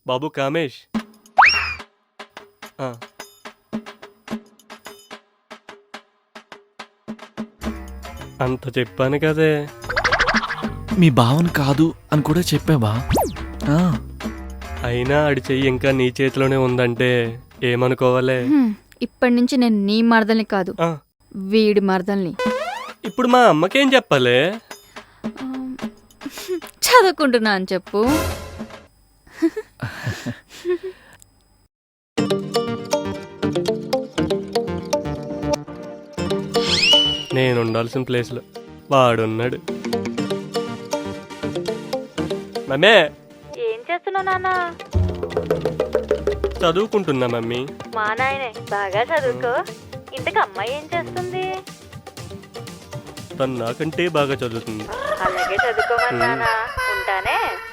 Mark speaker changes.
Speaker 1: బాబు కామేష్. ఆ, అంత చెప్పాను కదే.
Speaker 2: మీ భావన కాదు అని కూడా చెప్పావా?
Speaker 1: అయినా ఆడి చెయ్యి ఇంకా నీ చేతిలోనే ఉందంటే ఏమనుకోవాలే?
Speaker 3: ఇప్పటి నుంచి నేను నీ మరదల్ని కాదు,
Speaker 1: ఆ,
Speaker 3: వీడి మరదల్ని.
Speaker 1: ఇప్పుడు మా అమ్మకేం చెప్పాలే?
Speaker 3: చదువుకుంటున్నా అని చెప్పు.
Speaker 1: నేను ఉండాల్సిన ప్లేస్లో వాడున్నాడు. మమ్మే,
Speaker 3: ఏం చేస్తున్నావు నాన్న?
Speaker 1: చదువుకుంటున్నా మమ్మీ.
Speaker 3: మా నాయనే బాగా చదువుకో. ఇంతకు అమ్మాయి ఏం చేస్తుంది?
Speaker 1: తను నాకంటే బాగా చదువుతుంది.
Speaker 3: అలాగే చదువుకోమని నాన్న. ఉంటానే.